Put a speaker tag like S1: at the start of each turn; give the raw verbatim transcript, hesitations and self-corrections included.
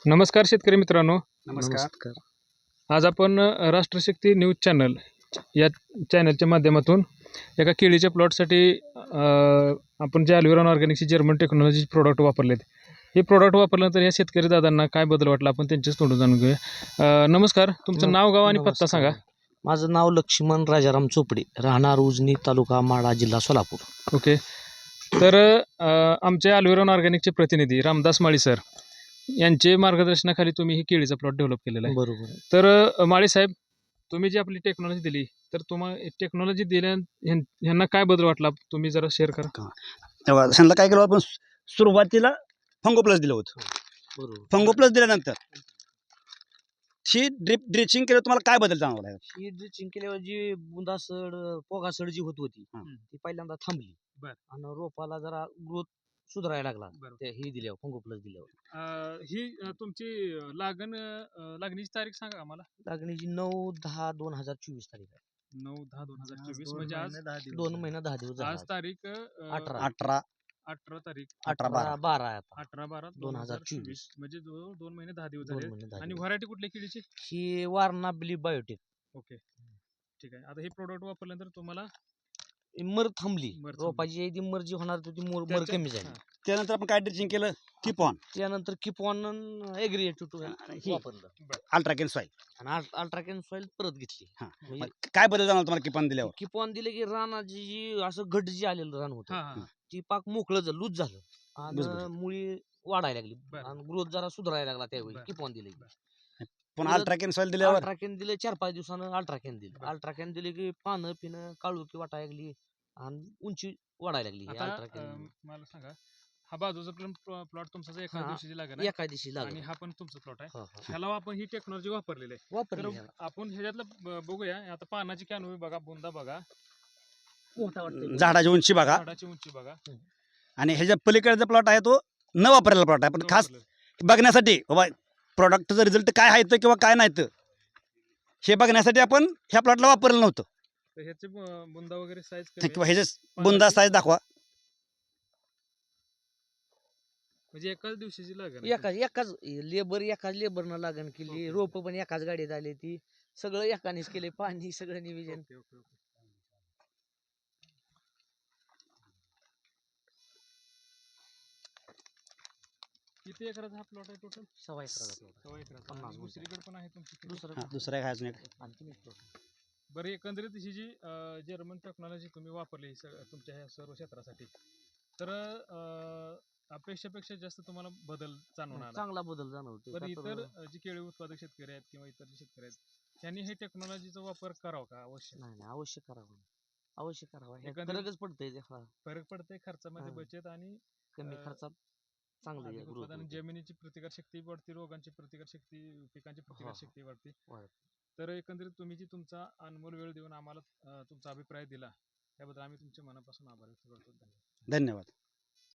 S1: नमस्कार शेतकरी मित्रांनो.
S2: नमस्कार.
S1: आज आपण अ, राष्ट्रशक्ती न्यूज चॅनल या चॅनलच्या माध्यमातून एका केळीच्या प्लॉटसाठी अ, आपण जे अल्विरॉन ऑर्गॅनिकची जर्मन टेक्नॉलॉजी प्रोडक्ट वापरलेत. हे प्रोडक्ट वापरल्यानंतर या शेतकरी दादांना काय बदल वाटला आपण त्यांच्याच तोंडून जाणून घेऊया. अ, नमस्कार, तुमचं
S2: नम-
S1: नाव, गाव आणि पत्ता
S2: नमस्कार.
S1: सांगा.
S2: माझं नाव लक्ष्मण राजाराम चोपडे, राहणार उजनी, तालुका माढा, जिल्हा सोलापूर.
S1: ओके. तर अ, आमचे अल्विरॉन ऑर्गॅनिकचे प्रतिनिधी रामदास माळी सर यांचे मार्गदर्शनाखाली तुम्ही ही केळीचा प्लॉट डेव्हलप केलेला आहे.
S2: बरोबर आहे.
S1: तर अ, माळी साहेब, तुम्ही जी आपली टेक्नॉलॉजी दिली, तर तुम्हाला टेक्नॉलॉजी दिल्या ह्यां- ह्यांना काय बदल वाटला तुम्ही जरा शेअर करा.
S3: तेव्हा त्यांना काय केलं आपण सुरुवातीला फंगो प्लस दिलं होतं.
S2: बरोबर.
S3: फंगो प्लस दिल्यानंतर ही ड्रिप ड्रिचिंग केलं, तुम्हाला काय बदल जाणवला आहे?
S2: ही ड्रिचिंग केल्यावर जी बुंदासड पोगासड जी होत होती
S3: हं.
S2: ती पहिल्यांदा थांबली.
S1: बर.
S2: आणि रोपाला जरा ग्रोथ सुधारायला लागला
S1: बरोबर.
S2: ते ही दिल्यावर फंगो प्लस दिल्यावर.
S1: अ, ही अ, तुमची अ, लागण अ, लागणीची तारीख सांगा आम्हाला.
S2: लागणीची नऊ दहा दोन हजार चोवीस तारीख आहे.
S1: नऊ दहा दोन हजार चोवीस म्हणजे आज
S2: दोन महिना दहा दिवस झाले
S1: आज
S2: आज.
S1: तारीख अ,
S2: अठरा.
S3: अठरा
S1: अठरा तारीख
S3: अठरा बारा
S2: अठरा बारा आहे आता.
S1: अठरा बारा
S2: दोन
S1: दोन
S2: हजार
S1: हजार चोवीस
S2: चोवीस.
S1: म्हणजे जवळ दोन महिने दहा दिवस
S2: दोन
S1: झाले.
S2: महिने दहा
S1: आणि
S2: दिवस.
S1: व्हरायटी कुठल्या केळीची?
S2: ही वारणा बिली बायोटेक.
S1: ओके, ठीक आहे. आता हे प्रोडक्ट वापरल्यानंतर तुम्हाला
S2: मर थांबली.
S1: मर थांबली.
S2: रोपाची जी मर जी होणार होती ती मर मर
S1: त्याच्या-
S2: कमी झाली.
S1: हां.
S3: त्यानंतर आपण काय ड्रिचिंग केलं? कीप ऑन
S2: त्यानंतर किपॉन एग्रिएटिव टू
S3: ही.
S2: वापरलं
S3: अल्ट्राकेन सॉईल.
S2: आणि अल्ट्राकॅन सॉइल परत घेतली.
S3: हां.
S2: म्हणजे
S3: मग काय बदल जाणवला तुम्हाला कीप ऑन दिल्यावर?
S2: किपॉन दिले की रानाची जी असं घट जी आलेलं रान होतं
S1: हां, हां.
S2: ती पाक मोकळं झालं, लूज झालं आणि
S3: भुसभुशीत.
S2: मुळी वाढायला लागली
S1: बरं.
S2: आणि ग्रोथ जरा सुधारायला लागला त्यावेळी
S1: बरं.
S2: किपॉन दिले.
S3: पण
S2: परत
S3: अल्ट्राकेन सॉईल दिल्यावर
S2: अल्ट्राकॅन दिले, चार पाच दिवसानं अल्ट्राकॅन दिले.
S1: बरं.
S2: अल्ट्राकॅन दिले की पानं पिणं काळुकी वाटायला लागली आणि उंची वाढायला लागली.
S1: आता
S2: अल्ट्राकॅन
S1: अ, मला सांगा, हा बाजूचा पण प्लॉट तुमचा जो एका
S2: हां.
S1: दिवशीची लागण आहे
S2: एका दिवशी
S1: आणि
S2: लागला.
S1: हा पण तुमचा प्लॉट आहे.
S2: हो, हो.
S1: ह्याला आपण ही टेक्नॉलॉजी वापरलेली आहे. तर
S2: वापरली ह्याला.
S1: आपण ह्याच्यातलं ब- बघूया. आता पानाची कॅनोपी बघा, बुंदा बघा,
S2: मोठा वाटतोय.
S3: झाडाची उंची बघा.
S1: झाडाची उंची बघा.
S3: आणि ह्याच्या पलीकडचा प्लॉट आहे तो न वापरलेला प्लॉट आहे, पण
S1: न
S3: खास
S1: वापरलेलं.
S3: बघण्यासाठी बाबा प्रॉडक्टचा रिझल्ट काय आहे तो किंवा काय नाही तर हे बघण्यासाठी आपण ह्या प्लॉटला वापरलं नव्हतं.
S1: तर ह्याचे ब- बुंदा वगैरे साईज कमी
S3: किंवा
S1: आहे.
S3: ह्याचे बुंदा साईज दाखवा.
S1: म्हणजे एकाच दिवशीची लागण आहे.
S2: एकाच एकाच लेबर एकाच लेबरनं लागण केली.
S1: ओके.
S2: रोप पण एकाच गाडीत आली ती सगळं एकानेच केले. पाणी सगळं नियोजन.
S1: Okay, okay, okay. किती एकराचा हा प्लॉट आहे टोटल?
S2: सव्वा एकराचा plot आहे.
S1: सव्वा एकराचा.
S2: पन्नास
S1: आणि
S2: गुंठे.
S1: दुसरीकडे पण आहे तुमची किती?
S2: दुसरं
S3: हा, दुसरा एक आहे अजून एक.
S2: आणखी एक plot आहे.
S1: बरं, एकंदरीत ही जी अ, जर्मन टेक्नॉलॉजी तुम्ही वापरली ही सग- तुमच्या ह्या सर्व क्षेत्रासाठी, तर अ, अपेक्षेपेक्षा जास्त तुम्हाला बदल जाणवून आला.
S2: चांगला बदल जाणवतो.
S1: बरं,
S2: का
S1: इतर
S2: तर-
S1: अ, जे केळी उत्पादक शेतकरी आहेत किंवा इतर जे शेतकरी आहेत त्यांनी हे टेक्नॉलॉजीचा वापर करावा का अवश्य?
S2: नाही नाही अवश्य करावं. अवश्य करावं. हे
S1: एकंदरीत-
S2: फरकच पडतंय ते. हा,
S1: फरक पडते खर्चामध्ये
S2: हां.
S1: बचत आणि
S2: कमी
S1: अ,
S2: खर्चात चांगलं
S1: अधिक
S2: growth
S1: उत्पादन,
S2: होते.
S1: जमिनीची प्रतिकारशक्ती वाढते, रोगांची प्रतिकारशक्ती, पिकांची प्रतिकारशक्ती वाढते.
S2: वाढते.
S1: तर एकंदरीत तुम्ही जी तुमचा अनमोल वेळ देऊन आम्हाला अ, तुमचा अभिप्राय दिला त्याबद्दल आम्ही तुमच्या मनापासून आभार व्यक्त करतो. धन्यवाद.
S3: धन्यवाद.